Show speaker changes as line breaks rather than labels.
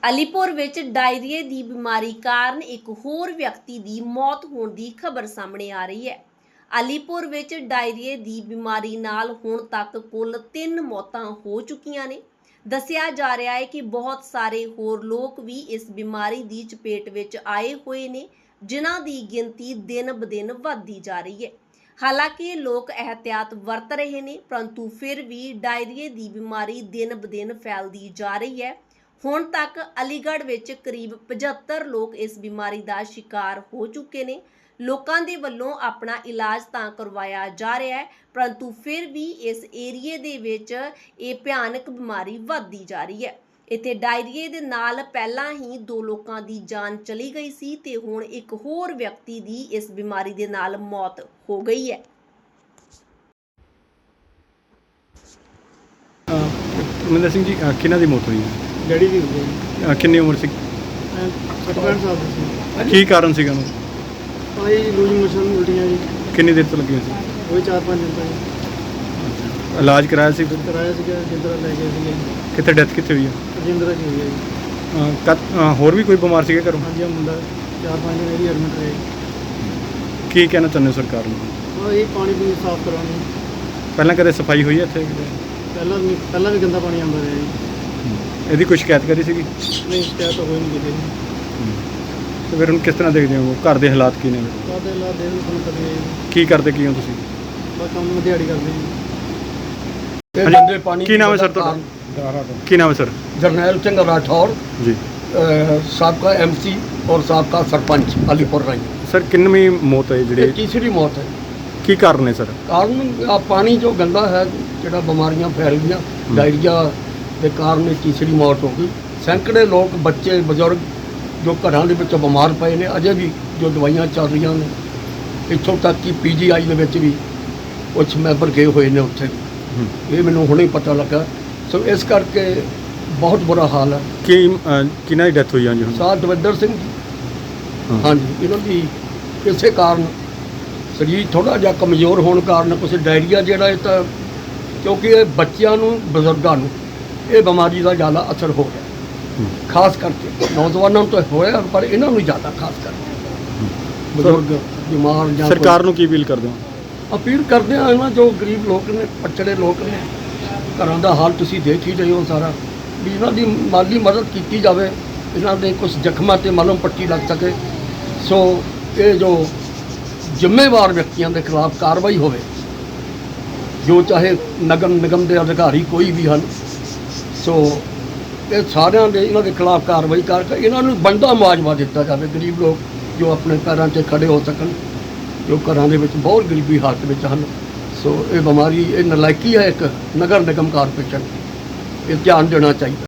ਅਲੀਪੁਰ ਵਿੱਚ ਡਾਇਰੀਏ ਦੀ ਬਿਮਾਰੀ ਕਾਰਨ ਇੱਕ ਹੋਰ ਵਿਅਕਤੀ ਦੀ ਮੌਤ ਹੋਣ ਦੀ ਖਬਰ ਸਾਹਮਣੇ ਆ ਰਹੀ ਹੈ। ਅਲੀਪੁਰ ਵਿੱਚ ਡਾਇਰੀਏ ਦੀ ਬਿਮਾਰੀ ਨਾਲ ਹੁਣ ਤੱਕ ਕੁੱਲ 3 ਮੌਤਾਂ ਹੋ ਚੁੱਕੀਆਂ ਨੇ। ਦੱਸਿਆ ਜਾ ਰਿਹਾ ਹੈ ਕਿ ਬਹੁਤ ਸਾਰੇ ਹੋਰ ਲੋਕ ਵੀ ਇਸ ਬਿਮਾਰੀ ਦੀ ਚਪੇਟ ਵਿੱਚ ਆਏ ਹੋਏ ਨੇ, ਜਿਨ੍ਹਾਂ ਦੀ ਗਿਣਤੀ ਦਿਨ-ਬ-ਦਿਨ ਵੱਧਦੀ ਜਾ ਰਹੀ ਹੈ। ਹਾਲਾਂਕਿ ਲੋਕ ਇਹਤਿਆਤ ਵਰਤ ਰਹੇ ਨੇ, ਪਰੰਤੂ ਫਿਰ ਵੀ ਡਾਇਰੀਏ ਦੀ ਬਿਮਾਰੀ ਦਿਨ-ਬ-ਦਿਨ ਫੈਲਦੀ ਜਾ ਰਹੀ ਹੈ। ਹੁਣ ਤੱਕ ਅਲੀਗੜ੍ਹ ਵਿੱਚ ਕਰੀਬ 75 ਲੋਕ ਇਸ ਬਿਮਾਰੀ ਦਾ ਸ਼ਿਕਾਰ ਹੋ ਚੁੱਕੇ ਨੇ। ਲੋਕਾਂ ਦੇ ਵੱਲੋਂ ਆਪਣਾ ਇਲਾਜ ਤਾਂ ਕਰਵਾਇਆ ਜਾ ਰਿਹਾ ਹੈ, ਪਰੰਤੂ ਫਿਰ ਵੀ ਇਸ ਏਰੀਏ ਦੇ ਵਿੱਚ ਇਹ ਭਿਆਨਕ ਬਿਮਾਰੀ ਵੱਧਦੀ ਜਾ ਰਹੀ ਹੈ। ਇੱਥੇ ਡਾਇਰੀਏ ਦੇ ਨਾਲ ਪਹਿਲਾਂ ਹੀ 2 ਲੋਕਾਂ ਦੀ ਜਾਨ ਚਲੀ ਗਈ ਸੀ ਤੇ ਹੁਣ ਇੱਕ ਹੋਰ ਵਿਅਕਤੀ ਦੀ ਇਸ ਬਿਮਾਰੀ ਦੇ ਨਾਲ ਮੌਤ ਹੋ ਗਈ ਹੈ।
ਮਨਿੰਦਰ ਸਿੰਘ ਜੀ, ਕਿਹਨਾਂ ਦੀ ਮੌਤ ਹੋਈ ਹੈ?
ਡੈਡੀ ਦੀ ਹੋਈ ਹੈ।
ਕਿੰਨੀ ਉਮਰ ਸੀ?
65 ਸਾਲ ਦੀ ਸੀ।
ਕੀ ਕਾਰਨ ਸੀਗਾ ਉਹਨੂੰ?
ਭਾਈ ਲੂਜ਼ ਮੋਸ਼ਨ ਉਲਟੀਆਂ ਜੀ,
ਕਿੰਨੀ ਦੇਰ ਤੋਂ ਲੱਗੀਆਂ ਸੀ?
ਉਹੀ 4-5 ਦਿਨ ਤੋਂ
ਇਲਾਜ ਕਰਾਇਆ ਸੀ ਫਿਰ?
ਕਰਾਇਆ ਸੀਗਾ, ਜਿੰਦਰਾ ਲੈ ਗਏ ਸੀਗੇ।
ਕਿੱਥੇ ਡੈਥ ਕਿੱਥੇ ਹੋਈ ਹੈ?
ਜਿੰਦਰਾ 'ਚ ਹੋਈ ਹੈ ਜੀ।
ਹੋਰ ਵੀ ਕੋਈ ਬਿਮਾਰ ਸੀਗਾ ਘਰੋਂ?
ਹਾਂਜੀ, ਮੁੰਡਾ 4-5 ਦਿਨ ਇਹਦੀ ਐਡਮਿਟ ਰਹੇ।
ਕੀ ਕਹਿਣਾ ਚਾਹੁੰਦੇ ਹੋ ਸਰਕਾਰ ਨੂੰ?
ਉਹ ਇਹ ਪਾਣੀ ਪੂਣੀ ਸਾਫ਼ ਕਰਾਉਣੀ।
ਪਹਿਲਾਂ ਕਦੇ ਸਫਾਈ ਹੋਈ ਹੈ ਇੱਥੇ?
ਪਹਿਲਾਂ ਵੀ ਗੰਦਾ ਪਾਣੀ ਆਉਂਦਾ ਰਿਹਾ ਜੀ।
ਇਹਦੀ ਕੋਈ ਸ਼ਿਕਾਇਤ ਕਰੀ ਸੀਗੀ?
ਨਹੀਂ, ਸ਼ਿਕਾਇਤ ਤਾਂ ਹੋਈ ਨਹੀਂ ਕਿਤੇ।
ਤੇ ਫਿਰ ਹੁਣ ਕਿਸ ਤਰ੍ਹਾਂ ਦੇਖਦੇ ਹੋ? ਘਰ ਦੇ ਹਾਲਾਤ ਕੀ ਨੇ?
ਸਾਡੇ ਲਾ ਦੇ ਨੂੰ ਕਦੇ
ਕੀ ਕਰਦੇ ਕੀ ਹੋ ਤੁਸੀਂ?
ਬਸ ਕੰਮ ਦਿਹਾੜੀ ਕਰਦੇ ਜੀ।
ਹਾਂਜੀ, ਪਾਣੀ ਕੀ ਨਾਮ ਹੈ ਸਰ ਤੁਹਾਡਾ? ਕੀ ਨਾਮ ਹੈ ਸਰ?
जरनैल सिंह राठौर
जी,
साबका एमसी और साबका सरपंच अलीपुर रही।
सर किन्नवीं मौत है
ये
ਜਿਹੜੀ
तीसरी मौत है।
ਕੀ ਕਾਰਨ ਹੈ ਸਰ?
कारण आ पानी जो गंदा है, ਜਿਹੜਾ बीमारियां फैल गई, डायरिया के कारण ये तीसरी मौत हो गई। सैकड़े लोग, बच्चे, बजुर्ग जो घरों के विच बीमार पए ने, अजे भी जो दवाइयां चल रही ने, इत्थों तक कि PGI ਦੇ ਵਿੱਚ ਵੀ कुछ मैंबर गए हुए ने उत्थे। ये मैनूं हुणे पता लगा। सो इस करके बहुत बुरा हाल है।
ਕੀ ਕਿਹਨਾਂ ਦੀ ਡੈਥ ਹੋਈ ਹੈ ਜੀ ਹੁਣ?
ਸਾਹ ਦਵਿੰਦਰ ਸਿੰਘ ਜੀ।
ਹਾਂ।
ਹਾਂਜੀ, ਇਹਨਾਂ ਦੀ ਇਸੇ ਕਾਰਨ ਸਰੀਰ ਥੋੜਾ ਜਿਹਾ ਕਮਜ਼ੋਰ ਹੋਣ ਕਾਰਨ ਕੁਛ ਡਾਇਰੀਆ ਜਿਹੜਾ ਇਹ ਤਾਂ, ਕਿਉਂਕਿ ਇਹ ਬੱਚਿਆਂ ਨੂੰ, ਬਜ਼ੁਰਗਾਂ ਨੂੰ ਇਹ ਬਿਮਾਰੀ ਦਾ ਜ਼ਿਆਦਾ ਅਸਰ ਹੋ ਰਿਹਾ। ਖਾਸ ਕਰਕੇ ਨੌਜਵਾਨਾਂ ਨੂੰ ਤਾਂ ਹੋਇਆ, ਪਰ ਇਹਨਾਂ ਨੂੰ ਜ਼ਿਆਦਾ ਖਾਸ ਕਰਕੇ ਬਜ਼ੁਰਗ ਬਿਮਾਰ ਜਾਂ
ਸਰਕਾਰ ਨੂੰ ਕੀ ਅਪੀਲ ਕਰਦੇ ਹੋ?
ਅਪੀਲ ਕਰਦੇ ਹਾਂ ਇਹਨਾਂ ਜੋ ਗਰੀਬ ਲੋਕ ਨੇ, ਪਛੜੇ ਲੋਕ ਨੇ, ਘਰਾਂ ਦਾ ਹਾਲ ਤੁਸੀਂ ਦੇਖ ਹੀ ਰਹੇ ਹੋ ਸਾਰਾ, ਵੀ ਇਹਨਾਂ ਦੀ ਮਾਲੀ ਮਦਦ ਕੀਤੀ ਜਾਵੇ, ਇਹਨਾਂ ਦੇ ਕੁਝ ਜ਼ਖਮਾਂ 'ਤੇ ਮਲਮ ਪੱਟੀ ਲੱਗ ਸਕੇ। ਸੋ ਇਹ ਜੋ ਜ਼ਿੰਮੇਵਾਰ ਵਿਅਕਤੀਆਂ ਦੇ ਖਿਲਾਫ ਕਾਰਵਾਈ ਹੋਵੇ, ਜੋ ਚਾਹੇ ਨਗਰ ਨਿਗਮ ਦੇ ਅਧਿਕਾਰੀ ਕੋਈ ਵੀ ਹਨ, ਸੋ ਇਹ ਸਾਰਿਆਂ ਦੇ ਇਹਨਾਂ ਦੇ ਖਿਲਾਫ ਕਾਰਵਾਈ ਕਰਕੇ ਇਹਨਾਂ ਨੂੰ ਬਣਦਾ ਮੁਆਵਜ਼ਾ ਦਿੱਤਾ ਜਾਵੇ। ਗਰੀਬ ਲੋਕ ਜੋ ਆਪਣੇ ਪੈਰਾਂ 'ਤੇ ਖੜੇ ਹੋ ਸਕਣ, ਜੋ ਘਰਾਂ ਦੇ ਵਿੱਚ ਬਹੁਤ ਗਰੀਬੀ ਹਾਲਤ ਵਿੱਚ ਹਨ। ਸੋ ਇਹ ਬਿਮਾਰੀ, ਇਹ ਨਲਾਇਕੀ ਹੈ ਇੱਕ ਨਗਰ ਨਿਗਮ ਕਾਰਪੋਰੇਸ਼ਨ, ਇਹ ਧਿਆਨ ਦੇਣਾ ਚਾਹੀਦਾ।